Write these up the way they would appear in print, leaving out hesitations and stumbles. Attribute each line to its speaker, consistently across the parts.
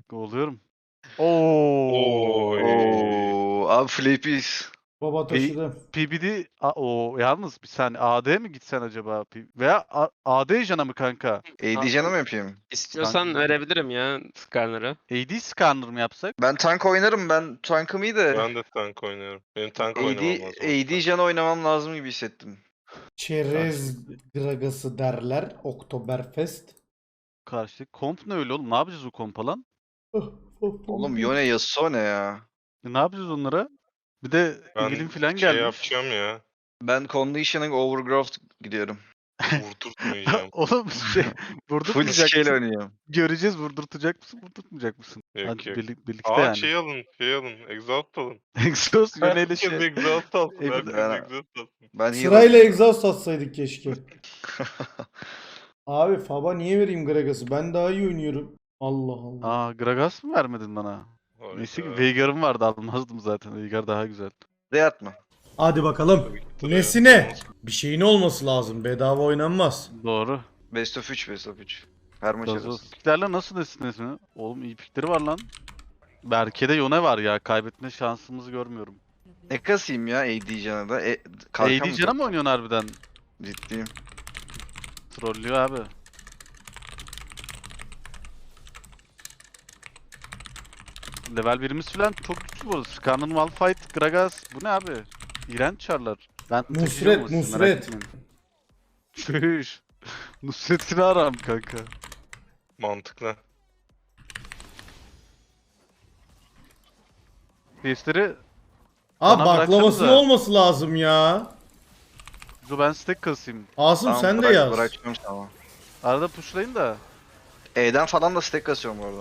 Speaker 1: Oluyorum. Oo.
Speaker 2: Oy.
Speaker 3: Oo, abi Flapies.
Speaker 4: Baba taşıdı.
Speaker 1: PBD o yalnız bir saniye AD mi gitsen acaba? Veya AD Jana mı kanka?
Speaker 3: AD canı mı yapayım?
Speaker 2: İstiyorsan
Speaker 1: Kanka.
Speaker 2: verebilirim ya Skarner'ı.
Speaker 1: AD Skarner mı yapsak?
Speaker 3: Ben tank oynarım. Ben tankım iyi de.
Speaker 5: Ben de tank oynuyorum. Benim tank oynamam
Speaker 3: AD,
Speaker 5: lazım.
Speaker 3: AD canı oynamam lazım gibi hissettim.
Speaker 4: Çerez gragası derler. Oktoberfest.
Speaker 1: Karşı. Komp ne öyle oğlum? Ne yapacağız o kompa lan?
Speaker 3: Oğlum Yone Yasuo ne ya?
Speaker 1: Ne yapacağız onlara? Bir de
Speaker 5: Ben
Speaker 1: Evelyn falan
Speaker 5: şey
Speaker 1: gelmiş.
Speaker 5: yapacağım ya.
Speaker 3: Ben Conditioning Overgrowth gidiyorum.
Speaker 5: Vurdurtmayacağım.
Speaker 1: Oğlum
Speaker 3: Full
Speaker 1: vurdurtmayacak
Speaker 3: scale
Speaker 1: mısın?
Speaker 3: oynuyorum.
Speaker 1: Göreceğiz vurdurtacak mısın, vurdurtmayacak mısın?
Speaker 5: Yok,
Speaker 1: Hadi
Speaker 5: yok.
Speaker 1: birlikte
Speaker 5: Aa
Speaker 1: yani.
Speaker 5: şey alın. Exhaust alın.
Speaker 1: Exhaust Yone'yle
Speaker 5: Herkes
Speaker 1: şey.
Speaker 5: exhaust alsın.
Speaker 1: Emin-
Speaker 5: Herkes
Speaker 3: Ben-
Speaker 5: exhaust alsın.
Speaker 3: Ben heal
Speaker 4: Sırayla
Speaker 3: alayım.
Speaker 4: egzoz satsaydık keşke. Abi Faba niye vereyim Gragas'ı? Ben daha iyi oynuyorum. Allah Allah.
Speaker 1: Aa Gragas mı vermedin bana? Neyse ki Veigar'ım vardı almazdım zaten. Veigar daha güzel.
Speaker 3: Reyat mı?
Speaker 4: Hadi bakalım.
Speaker 5: Tabii ki de.
Speaker 4: Nesine? Bir şeyin olması lazım. Bedava oynanmaz.
Speaker 1: Doğru.
Speaker 3: Best of 3, Best of 3. Her maç
Speaker 1: Gazoz.
Speaker 3: arası.
Speaker 1: Piklerle nasıl desiniz? Oğlum iyi pikleri var lan. Berke'de Yone var ya. Kaybetme şansımızı görmüyorum.
Speaker 3: Ne kasayım ya AD canı da? Kalkan
Speaker 1: AD
Speaker 3: mı
Speaker 1: Can'a mı oynuyorsun harbiden?
Speaker 3: Ciddiyim.
Speaker 1: Trollüyor abi. Level 1'imiz falan çok güçlü bu arada. Skarner, Malphite, Gragas. Bu ne abi? İğrenç çarlar. Ben taşıyacağım ama siz merak
Speaker 4: Nusret.
Speaker 1: etmeyin. Çüş. Nusret'ini aram kanka.
Speaker 5: Mantıklı.
Speaker 1: Testleri
Speaker 4: Abi
Speaker 1: Bana
Speaker 4: baklamasının
Speaker 1: bıraksanıza.
Speaker 4: olması lazım ya.
Speaker 1: ben stack kasayım.
Speaker 4: Asım
Speaker 3: Tamam,
Speaker 4: sen de
Speaker 3: bırak-
Speaker 4: yaz.
Speaker 3: Bırakacağım tamam.
Speaker 1: Arada pushlayın da.
Speaker 3: E'den falan da stack kasıyorum bu arada.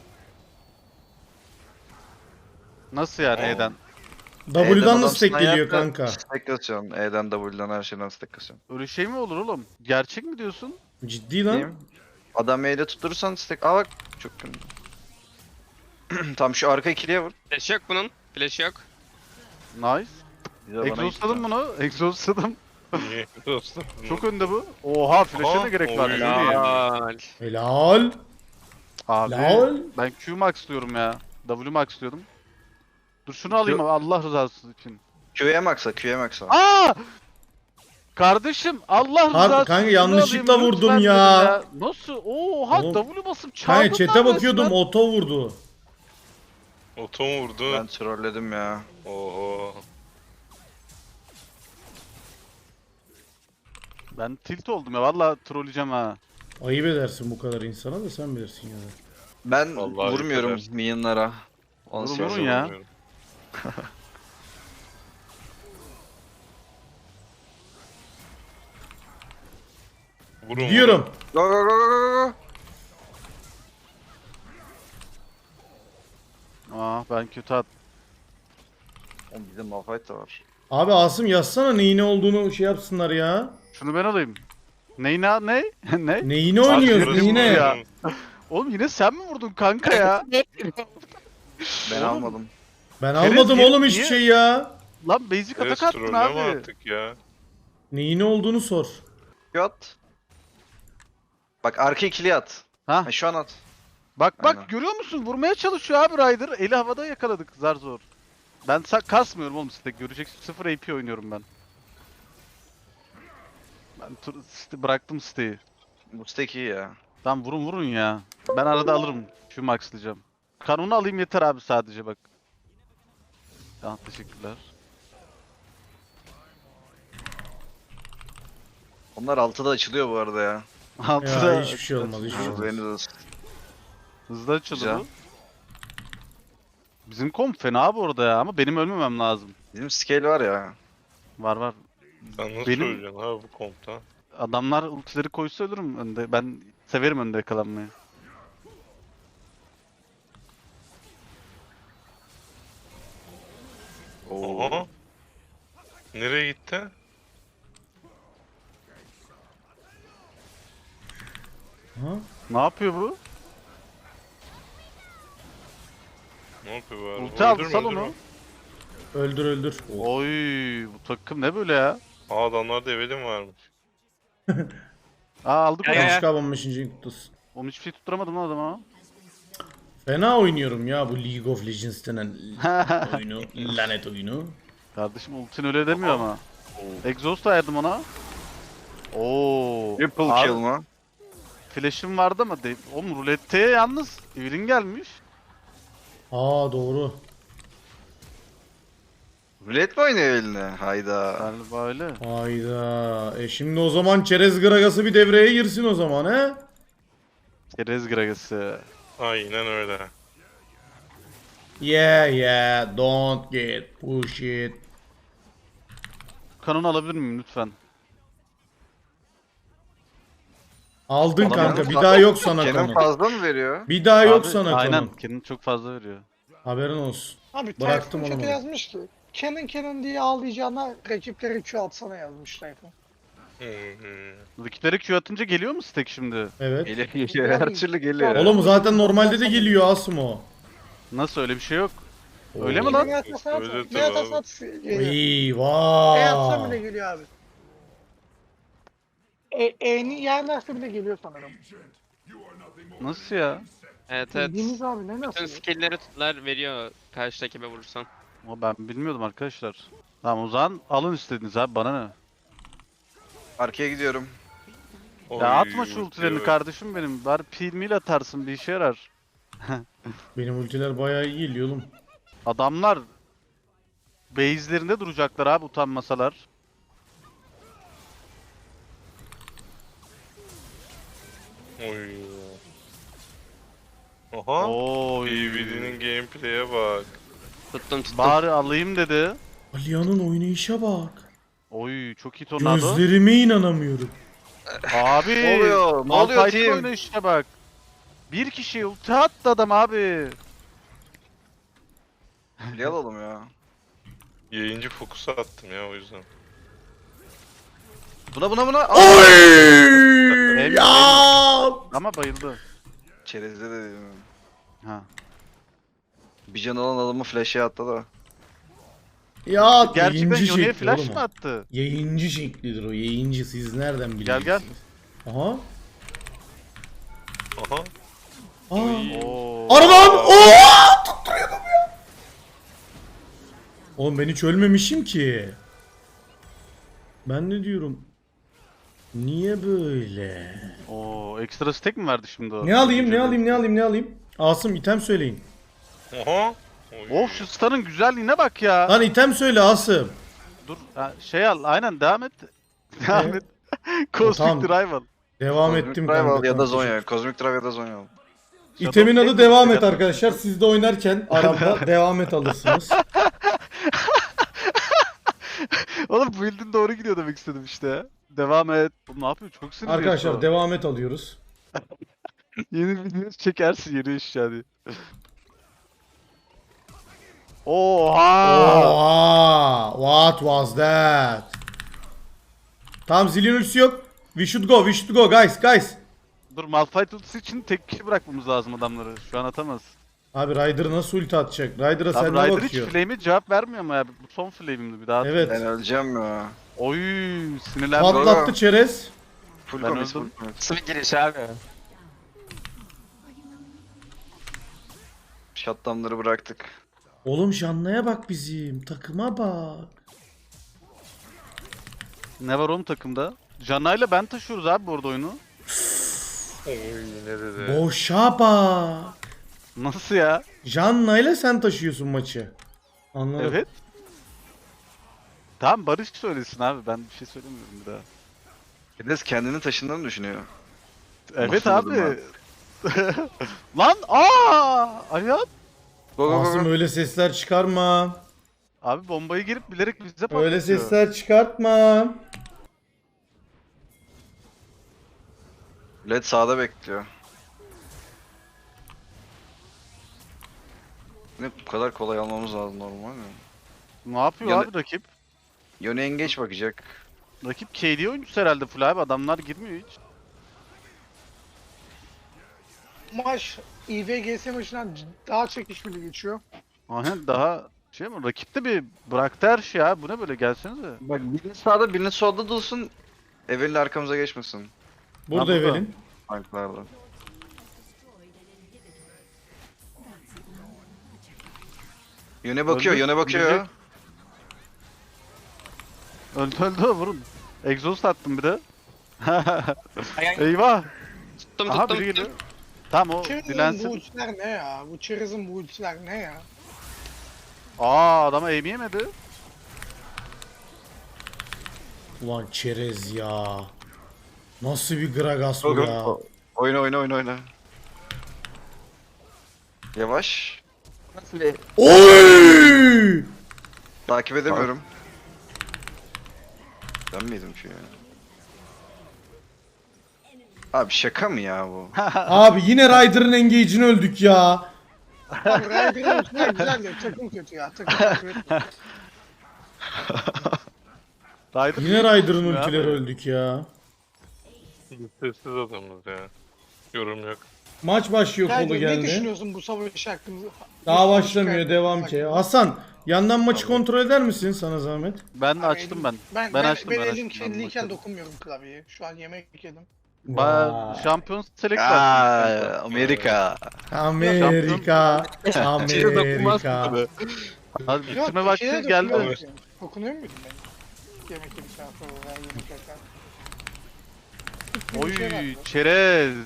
Speaker 1: Nasıl yani
Speaker 5: Aa.
Speaker 1: E'den?
Speaker 4: W'dan da
Speaker 3: adam
Speaker 4: stack geliyor
Speaker 3: sniper'la
Speaker 4: kanka.
Speaker 3: Stack kasıyorum. E'den W'dan her şeyden stack kasıyorum.
Speaker 1: Öyle şey mi olur oğlum? Gerçek mi diyorsun?
Speaker 4: Ciddi lan.
Speaker 3: Diyeyim. Adam E'de tutturursan stack... Aa bak çok kötü. Tam şu arka ikiliye vur.
Speaker 2: Flash yok bunun. Flash yok.
Speaker 1: Nice.
Speaker 3: Bir de bana
Speaker 1: Exhaustladım
Speaker 3: gitti.
Speaker 1: bunu. Exhaustladım.
Speaker 5: Niye dostum?
Speaker 1: Çok önde bu. Oha flash'e
Speaker 5: Aha,
Speaker 1: ne gerek var?
Speaker 5: oy.
Speaker 1: Ne diyeyim?
Speaker 2: Helal.
Speaker 4: Helal.
Speaker 1: Abi
Speaker 4: Lol.
Speaker 1: ben Q max diyorum ya. W max diyordum. Dur şunu alayım abi Allah rızası için.
Speaker 3: Q'ye max'a, Q'ye max'a.
Speaker 1: Aa! Kardeşim Allah rızası için
Speaker 4: kanka
Speaker 1: şunu
Speaker 4: yanlışlıkla
Speaker 1: alayım,
Speaker 4: vurdum
Speaker 1: lütfen
Speaker 4: ya.
Speaker 1: dedim Nasıl? Oha
Speaker 4: Oğlum,
Speaker 1: W basıp çarptım
Speaker 4: Kanka chat'e bakıyordum oto vurdu.
Speaker 5: Otom vurdu.
Speaker 3: Ben trolledim ya.
Speaker 5: Oo.
Speaker 1: Ben tilt oldum ya valla trolleyeceğim ha.
Speaker 4: Ayıp edersin bu kadar insana da sen bilirsin ya.
Speaker 3: Ben
Speaker 5: Vallahi
Speaker 3: vurmuyorum
Speaker 5: yeter.
Speaker 3: minyonlara. Onu
Speaker 1: Vurun,
Speaker 3: söyleyeyim.
Speaker 1: vurun ya.
Speaker 5: Bilmiyorum. Vurun,
Speaker 4: Diyorum.
Speaker 3: Go go go go go go.
Speaker 1: Ben kötü at.
Speaker 3: Oğlum bizim Malphite de var.
Speaker 4: Abi Asım yazsana neyin ne olduğunu şey yapsınlar ya.
Speaker 1: Şunu ben alayım. Neyine ne? ne?
Speaker 4: Neyini oynuyoruz
Speaker 1: Aferin
Speaker 4: neyine?
Speaker 1: ya. Oğlum yine sen mi vurdun kanka ya?
Speaker 3: Ben
Speaker 1: Oğlum.
Speaker 3: almadım.
Speaker 4: Ben
Speaker 1: Kerez,
Speaker 4: almadım
Speaker 1: niye-
Speaker 4: oğlum hiçbir
Speaker 1: niye-
Speaker 4: şey ya.
Speaker 1: Lan basic atak
Speaker 5: Evet,
Speaker 1: attın
Speaker 5: trolleme
Speaker 1: abi.
Speaker 5: artık ya.
Speaker 4: Neyin ne olduğunu sor.
Speaker 3: Q at. Bak arka ikili at.
Speaker 1: Ha
Speaker 3: Ha, şu an at.
Speaker 1: bak
Speaker 3: Aynen.
Speaker 1: görüyor musun? Vurmaya çalışıyor abi Ryder. Eli havada yakaladık zar zor. Ben kasmıyorum oğlum stack. Göreceksin 0 AP oynuyorum ben. Ben bıraktım stack'i.
Speaker 3: Bu stack iyi ya.
Speaker 1: Tamam vurun ya. Ben arada alırım. Şu maxlayacağım. Kanunu alayım yeter abi sadece bak. Tamam teşekkürler.
Speaker 3: Onlar 6'da açılıyor bu arada ya.
Speaker 1: Altıda
Speaker 4: Ya hiçbir şey olmaz hiçbir şey
Speaker 3: Haberiniz
Speaker 4: olmaz.
Speaker 3: olsun.
Speaker 1: hızlı açıldı
Speaker 3: Güzel.
Speaker 1: bu. Bizim komp fena bu arada ya ama benim ölmemem lazım.
Speaker 3: Bizim scale var ya.
Speaker 1: Var.
Speaker 5: Sen nasıl
Speaker 1: Benim-
Speaker 5: öleceksin abi bu kompta?
Speaker 1: Adamlar ultileri koysa ölürüm önde. Ben severim önde yakalanmayı.
Speaker 3: Oo.
Speaker 5: Aha. Nereye gitti?
Speaker 4: Ha?
Speaker 1: Ne yapıyor bu?
Speaker 5: Ne yapıyor bu arada?
Speaker 1: Ulti aldı
Speaker 5: Öldürme,
Speaker 1: sal
Speaker 5: öldürme.
Speaker 1: onu.
Speaker 4: Öldür öldür.
Speaker 1: Oy bu takım ne böyle ya?
Speaker 5: Aa adamlarda evelim varmış.
Speaker 1: Aldık
Speaker 2: Ya,
Speaker 1: onu.
Speaker 2: ya, ya.
Speaker 4: Başka 15. kutlusu.
Speaker 1: Oğlum hiçbir şey tutturamadım lan adama.
Speaker 4: Fena oynuyorum ya bu League of Legends denen oyunu. Lanet oyunu.
Speaker 1: Kardeşim ultin öyle demiyor ama. Exhaust ayırdım ona. Oo.
Speaker 3: Triple
Speaker 1: abi,
Speaker 3: kill mı?
Speaker 1: Flash'im vardı ama oğlum rulette yalnız Evelyn gelmiş.
Speaker 4: Aa doğru.
Speaker 3: Rulet mi oynuyor eline? Hayda.
Speaker 1: Galiba öyle.
Speaker 4: Hayda. Şimdi o zaman Çerez Gragas'ı bir devreye girsin o zaman he?
Speaker 1: Kerez Gragas'ı.
Speaker 5: Aynen öyle.
Speaker 4: Yeah, don't get push it.
Speaker 1: Kanon alabilir miyim lütfen?
Speaker 4: Aldın
Speaker 3: Adamların
Speaker 4: kanka, bir
Speaker 3: fazla-
Speaker 4: daha yok sana
Speaker 3: Kenan
Speaker 4: konu.
Speaker 3: fazla mı veriyor?
Speaker 4: Bir daha yok
Speaker 1: Abi,
Speaker 4: sana
Speaker 1: aynen.
Speaker 4: konu.
Speaker 1: Kendini çok fazla veriyor.
Speaker 4: Haberin olsun.
Speaker 6: Abi
Speaker 4: Bıraktım
Speaker 6: Tayfun
Speaker 4: onu.
Speaker 6: chat'e yazmış ki Canon diye ağlayacağına rakipleri Q atsana yazmış Tayfun.
Speaker 1: Rakipleri Q atınca geliyor mu stack şimdi?
Speaker 4: Evet.
Speaker 3: Geliyor. Her türlü geliyor.
Speaker 4: Oğlum zaten normalde de geliyor Asmo.
Speaker 1: Nasıl öyle bir şey yok. Öyle mi lan?
Speaker 6: Ne atarsan at,
Speaker 5: Öyle
Speaker 6: ne
Speaker 5: tabii
Speaker 6: atarsan at geliyor. Ne atsam bile
Speaker 4: Eyvah.
Speaker 6: geliyor abi. E'ni yerlerse bile geliyor sanırım.
Speaker 1: Nasıl ya?
Speaker 2: Evet evet.
Speaker 6: Bildiğiniz abi ne
Speaker 2: Bütün
Speaker 6: nasıl?
Speaker 2: skill'leri tutlar veriyor karşı rakibe vurursan.
Speaker 1: Ama ben bilmiyordum arkadaşlar. Tamam o zaman alın istediğiniz abi bana ne?
Speaker 3: Arkaya gidiyorum.
Speaker 1: Ya atma şu ultilerini kardeşim benim. Bari pil mil atarsın bir işe yarar.
Speaker 4: Benim ultiler bayağı iyi geliyor oğlum.
Speaker 1: Adamlar base'lerinde duracaklar abi utanmasalar.
Speaker 5: Oy. Aha.
Speaker 1: Oy.
Speaker 5: BBD'nin gameplay'e bak.
Speaker 2: Tuttum tuttum.
Speaker 1: Bari alayım dedi.
Speaker 4: Aliyan'ın oynayışa bak.
Speaker 1: Oy çok iyi tornado.
Speaker 4: Gözlerime inanamıyorum.
Speaker 1: Abi.
Speaker 3: Ne oluyor? Ne oluyor
Speaker 1: Malphite
Speaker 3: team?
Speaker 1: oynayışına bak. Bir kişi ulti attı adam abi.
Speaker 3: Bir alalım ya.
Speaker 5: Yayıncı fokusu attım ya o yüzden.
Speaker 3: Buna.
Speaker 4: Oy!
Speaker 1: Em-
Speaker 4: Ya!
Speaker 1: Ama bayıldı.
Speaker 3: Çerezde de dedim.
Speaker 1: Ha.
Speaker 3: Bir can alan adamı flash'e attı da.
Speaker 4: Ya
Speaker 1: Gerçekten
Speaker 4: yayıncı
Speaker 1: Yone'ye
Speaker 4: şekli
Speaker 1: flash
Speaker 4: oğlum
Speaker 1: mı
Speaker 4: o.
Speaker 1: attı?
Speaker 4: Yayıncı şeklidir o. Yayıncı, siz nereden biliyorsunuz?
Speaker 1: gel.
Speaker 4: Aha.
Speaker 5: Aha.
Speaker 4: Aa.
Speaker 1: Oo.
Speaker 4: Aradan! Oo! Tutturuyordum ya. Oğlum ben hiç ölmemişim ki. Ben ne diyorum? Niye böyle?
Speaker 1: Oo, ekstra stack mi verdi şimdi o?
Speaker 4: Ne alayım? Asım item söyleyin.
Speaker 5: Aha. Oy.
Speaker 1: Of şu starın güzelliğine bak ya.
Speaker 4: Lan item söyle Asım.
Speaker 1: Dur ha, şey al aynen devam et. Devam et. Cosmic
Speaker 4: Tamam.
Speaker 1: Rival.
Speaker 4: Devam
Speaker 3: Cosmic
Speaker 4: ettim
Speaker 3: Drive
Speaker 4: kanka.
Speaker 3: al ya da
Speaker 4: tamam,
Speaker 3: Zonya. Cosmic Drive ya da Zonya al.
Speaker 4: İtemin adı
Speaker 1: Shadow
Speaker 4: devam
Speaker 1: King
Speaker 4: et
Speaker 1: mi?
Speaker 4: arkadaşlar. Siz de oynarken aramda devam et alırsınız.
Speaker 1: Oğlum bu build'in doğru gidiyor demek istedim işte. Devam et. Oğlum ne yapıyor? Çok sinirli.
Speaker 4: Arkadaşlar devam et alıyoruz.
Speaker 1: Yeni video çekersin yeni iş yani. Oha!
Speaker 4: Oha! What was that? Tamam zilin ultisi yok. We should go guys.
Speaker 1: Dur Malphite ultisi için tek kişi bırakmamız lazım adamları. Şu an atamaz.
Speaker 4: Abi Ryder nasıl ulti atacak? Ryder'a
Speaker 1: Abi
Speaker 4: sen ne
Speaker 1: Ryder hiç
Speaker 4: bakıyor?
Speaker 1: flame'e cevap vermiyor ama ya. Bu son flame'imdi bir daha.
Speaker 4: Evet.
Speaker 3: Ben öleceğim ya.
Speaker 1: Oy sinirlendim.
Speaker 4: Patlattı çerez.
Speaker 3: Full
Speaker 1: Ben
Speaker 3: commit, full
Speaker 1: öldüm.
Speaker 3: commit.
Speaker 2: Nasıl bir giriş abi?
Speaker 3: Shutdown'ları bıraktık.
Speaker 4: Oğlum Janna'ya bak bizim. Takıma bak.
Speaker 1: Ne var oğlum takımda? Janna ben taşıyoruz abi bu arada oyunu.
Speaker 5: Oy ne dedi?
Speaker 4: Boşa bak.
Speaker 1: Nasıl ya?
Speaker 4: Janna'yla sen taşıyorsun maçı. Anladım.
Speaker 1: Evet. Tamam Barış söylesin abi ben bir şey söylemiyorum bir daha.
Speaker 3: Enes kendini taşındığını düşünüyor.
Speaker 1: Evet
Speaker 3: Nasıl
Speaker 1: abi. Lan Ayat.
Speaker 3: Go.
Speaker 4: Asım öyle sesler çıkarma.
Speaker 1: Abi bombayı girip bilerek bize patlatıyor.
Speaker 4: Öyle sesler çıkartma.
Speaker 3: Led sağda bekliyor. Ne bu kadar kolay almamız lazım normal mi?
Speaker 1: Ne yapıyor
Speaker 3: Yana-
Speaker 1: abi rakip?
Speaker 3: Yone engeç bakacak.
Speaker 1: Rakip KD oyuncusu herhalde full abi adamlar girmiyor hiç.
Speaker 6: Maç IVGS maçından daha çekişmeli geçiyor.
Speaker 1: Aynen daha şey mi rakip de bir bıraktı her şeyi abi bu ne böyle gelsenize.
Speaker 3: Bak birini sağda birini solda dursun. Evelin arkamıza geçmesin.
Speaker 4: Burada
Speaker 1: burada.
Speaker 4: Evelin.
Speaker 3: Tanklarda. Yöne bakıyor,
Speaker 1: Öldü,
Speaker 3: yöne bakıyor.
Speaker 1: Öldü vurun. Exhaust attım bir de. Eyvah.
Speaker 2: Tuttum
Speaker 1: Aha
Speaker 2: tuttum.
Speaker 1: biri geliyor. Tamam o
Speaker 6: Cheers'ın bu
Speaker 1: dilensin.
Speaker 6: ultiler ne ya? Bu Cheers'ın bu ultiler ne ya?
Speaker 1: Aa adama aim yemedi.
Speaker 4: Ulan çerez ya. Nasıl bir Gragas bu ya?
Speaker 3: Oyna oyna oyna oyna. Yavaş.
Speaker 2: Nasıl bir...
Speaker 4: Oy!
Speaker 3: Takip edemiyorum. Ben miydim şu ya? Abi şaka mı ya bu?
Speaker 4: Abi yine Ryder'ın engage'ini öldük ya.
Speaker 6: Abi Ryder'ın ultiler güzel de takım kötü ya. Takım kötü.
Speaker 1: Ryder
Speaker 4: Yine Ryder'ın
Speaker 1: ya.
Speaker 4: ultileri öldük ya.
Speaker 5: Biz sessiz adamız ya. Yorum yok.
Speaker 4: Maç başlıyor kolu
Speaker 6: Ryder, ne
Speaker 4: geldi.
Speaker 6: düşünüyorsun bu savaş hakkında?
Speaker 4: Daha
Speaker 6: Bu savaş
Speaker 4: başlamıyor
Speaker 6: hakkında?
Speaker 4: devam ki. Hasan yandan maçı kontrol eder misin sana zahmet?
Speaker 1: Ben
Speaker 6: Abi
Speaker 1: açtım ben.
Speaker 6: Ben,
Speaker 1: Ben açtım,
Speaker 6: ben
Speaker 1: ben
Speaker 6: elim
Speaker 1: açtım, ben
Speaker 6: kirliyken
Speaker 1: bakıyorum.
Speaker 6: dokunmuyorum klavyeye. Şu an yemek yedim.
Speaker 1: Ba şampiyon select var.
Speaker 3: Aa, Amerika.
Speaker 4: Amerika.
Speaker 1: Çiğe dokunmaz
Speaker 4: Amerika.
Speaker 1: tabii. Hadi
Speaker 6: Yok,
Speaker 1: bitirme
Speaker 6: bir
Speaker 1: vakti
Speaker 6: şeye
Speaker 1: geldi.
Speaker 6: dokunuyor musun? Dokunuyor muydum ben? Yemek yedikten sonra veya yemek yerken. Bir şey var
Speaker 1: Oy
Speaker 6: mı?
Speaker 1: çerez.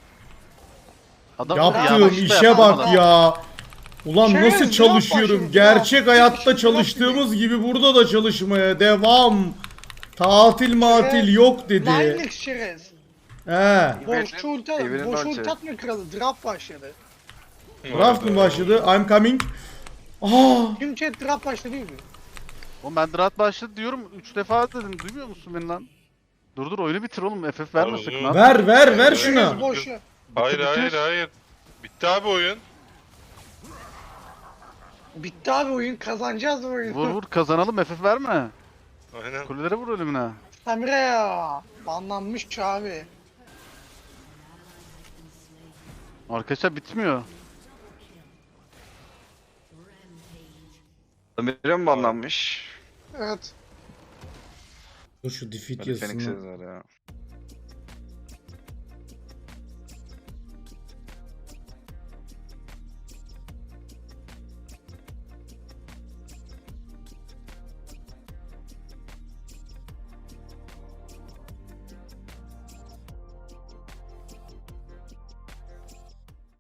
Speaker 1: Adam
Speaker 4: Yaptığım
Speaker 1: yavaşta
Speaker 4: işe
Speaker 1: yapamadı.
Speaker 4: bak ya. Ulan
Speaker 6: Çerez,
Speaker 4: nasıl
Speaker 6: ne
Speaker 4: çalışıyorum?
Speaker 6: yapıyorsun?
Speaker 4: Gerçek
Speaker 6: Ya,
Speaker 4: hayatta
Speaker 6: hiç
Speaker 4: çalıştığımız gibi burada da çalışmaya devam. Tatil matil
Speaker 6: Çerez,
Speaker 4: yok dedi.
Speaker 6: Linex çerez.
Speaker 4: He.
Speaker 6: Boşçu ulti
Speaker 3: Evinin
Speaker 6: boş
Speaker 3: ulti.
Speaker 6: ulti atma kralı. Draft başladı.
Speaker 4: Draft mı başladı? I'm coming. Aa,
Speaker 6: Tüm chat draft başladı değil mi?
Speaker 1: Oğlum ben draft başladı diyorum 3 defa dedim duymuyor musun beni lan? Dur oyunu bitir oğlum FF vermesek
Speaker 5: Oğlum,
Speaker 1: lan.
Speaker 4: ver şuna.
Speaker 6: Çerez boş ya.
Speaker 5: Hayır
Speaker 1: bitir.
Speaker 5: hayır. Bitti abi oyun.
Speaker 6: Bitti abi oyun. Kazanacağız bu oyunu.
Speaker 1: Vur kazanalım FF verme.
Speaker 5: Aynen.
Speaker 1: Kulelere vur ölümüne.
Speaker 6: Samira ya. Banlanmış abi.
Speaker 1: Arkadaşlar bitmiyor.
Speaker 3: Amerika mı banlanmış?
Speaker 6: Evet.
Speaker 4: Dur şu defeat
Speaker 3: Hadi Phoenix
Speaker 4: yazısını.
Speaker 3: yazar ya.